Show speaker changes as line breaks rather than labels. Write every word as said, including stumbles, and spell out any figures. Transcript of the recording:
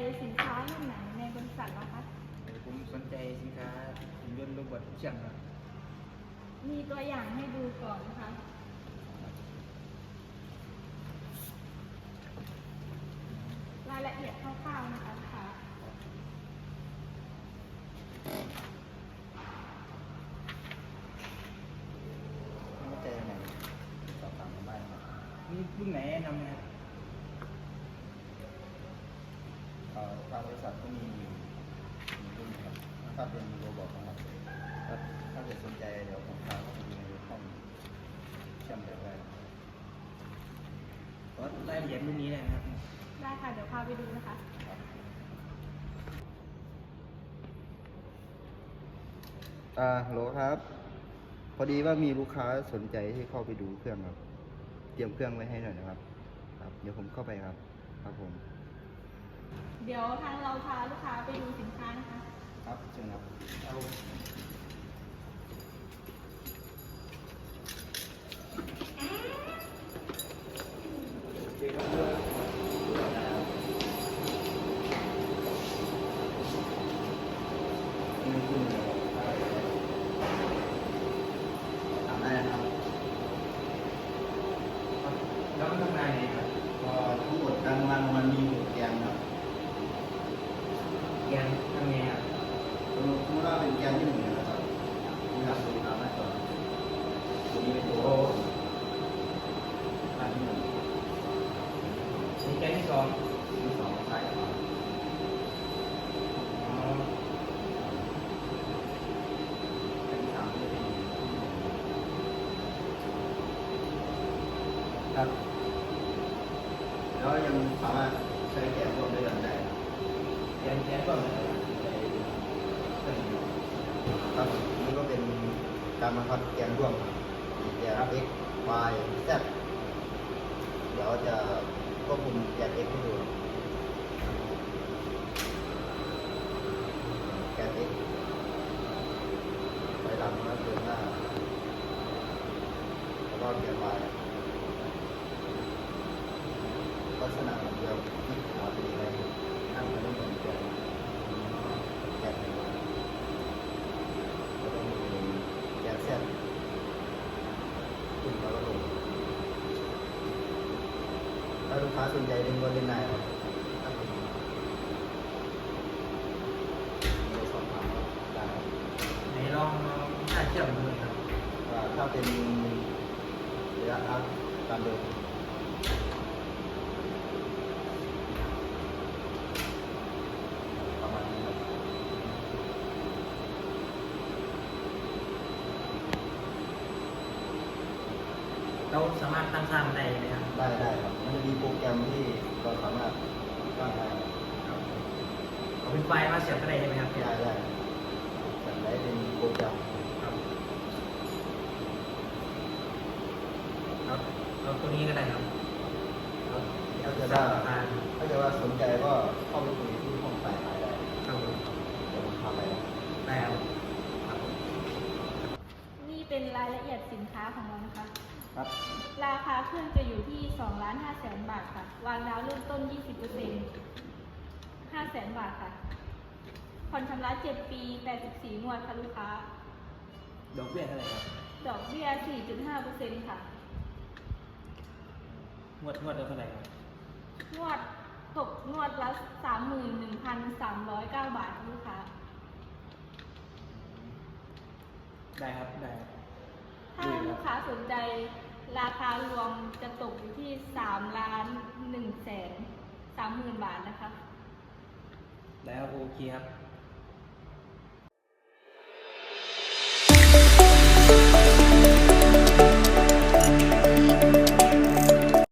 สินค้ารุ่นไหนในบริษัทเราคะ
ผมสนใจสินค้าหุ่นยนต์โรบอทเชื่อมครับ
มีตัวอย่างให้ดูก่อนนะคะรายละเอียดคร่าวๆนะคะลูกค้า
ไม่เข้าใจยังไงสอบถามผมได้ครับมีรุ่นไหนแนะนำไหมครับทางบริษัทก็มีอยู่มีรุ่นครับถ้าเป็นโรบอทนะครับถ้าถ้าเกิดสนใจเดี๋ยวผมพาเข้าไปดูในห้องเชื่อมแบบได้ขอรายละเอียดรุ่นนี้ได้ไหมครับ
ได้ค่ะ เดี๋ยวพาไปดูนะคะ
อ่าฮัลโหลครับ พอดีว่ามีลูกค้าสนใจที่เข้าไปดูเครื่องครับ เตรียมเครื่องไว้ให้หน่อยนะครับ ครับ เดี๋ยวผมเข้าไปครับ ครับผม
เดี๋ยวทางเราพาลูกค้าไปดูสินค้านะคะ
ครับเชิญครับเอาทำได้นะครับ
แล้วมันทำงานยังไงครับ
ก็ทั้งหมดการวางมันมีหกแกนครับ
แกนทำไงครับ
สมมติว่าเป็นแกนที่หนึ่งนะครับนี่ครับตัวตามหน้าจอตัวนี้เป็นตัวอันที่หนึ่ง
มีแกนที่สอง
ที่สองซ้ายขวา
อ๋อ
แกนที่สามจะเป็นครับแล้วยังสามารถใช้แกนร่วมด้วยกันได้
แกนแกนก็เหมือนกัน
ครับนี่ก็เป็นการบังคับแกนร่วมมีแกน x y z เดี๋ยวจะควบคุมแกน x ให้ดูแกน x ไปหลังแล้วเดินหน้าแล้วก็แกน y ลักษณะเหมือนเดิมที่หัวเป็นยังไงนั่งไปต้องเหมือนแกนแกนแล้วก็มีแกน z ขึ้นแล้วก็ลงถ้าลูกค้าสนใจเล่นก็เล่นได้ครับถ้าเป็นในสอบถามได้ครับ
ไหนลองลองถ้าเชื่อมดูหน่อยครับ
ว่าถ้าเป็นระยะอัพตามเดิมประมาณนี้ครับ
เราสามารถตั้งค่ามันได้ไหมครับ
ได้ได้ครับมันจะมีโปรแกรมที่เราสามารถสร้างได้
เอาเป็นไฟล์มาเสียบก็ได้ใช่ไหมครับ
ได้ได้แต่ได้เป็นโปรแกรม
ครับครับเอาตัวนี้ก็ได้ครับ
ครับถ้า
จะ
จะ
ได้
ว่า
ราคา
ถ้าจะว่าสนใจก็เข้าไปคุยที่ห้องฝ่ายขายได้
ครับผม
เดี๋ยวผมพาไปนะ
ได้ครับครับ
นี่เป็นรายละเอียดสินค้าของเรานะคะ
ครับ
ราคาเครื่องจะอยู่ที่สองล้านห้าแสนบาทค่ะ วางดาวเริ่มต้น ยี่สิบเปอร์เซ็นต์ ห้าแสนบาทค่ะ ผ่อนชำระเจ็ดปี แปดสิบสี่งวดค่ะลูกค้า
ดอกเบี้ยเท่าไหร่ครับ
ดอกเบี้ย สี่จุดห้าเปอร์เซ็นต์ ค่ะ
งวดงวดละเท่าไหร่ครับ
งวดตกงวดละ สามหมื่นหนึ่งพันสามร้อยเก้า บาทค่ะลูกค้า
ได้ครับได้ครับ
ถ้าลูกค้าสนใจราคารวมจะตกอยู่ที่สามล้านหนึ่งแสนสามหมื่นบาทนะคะ
ได้ครับโอเคครับ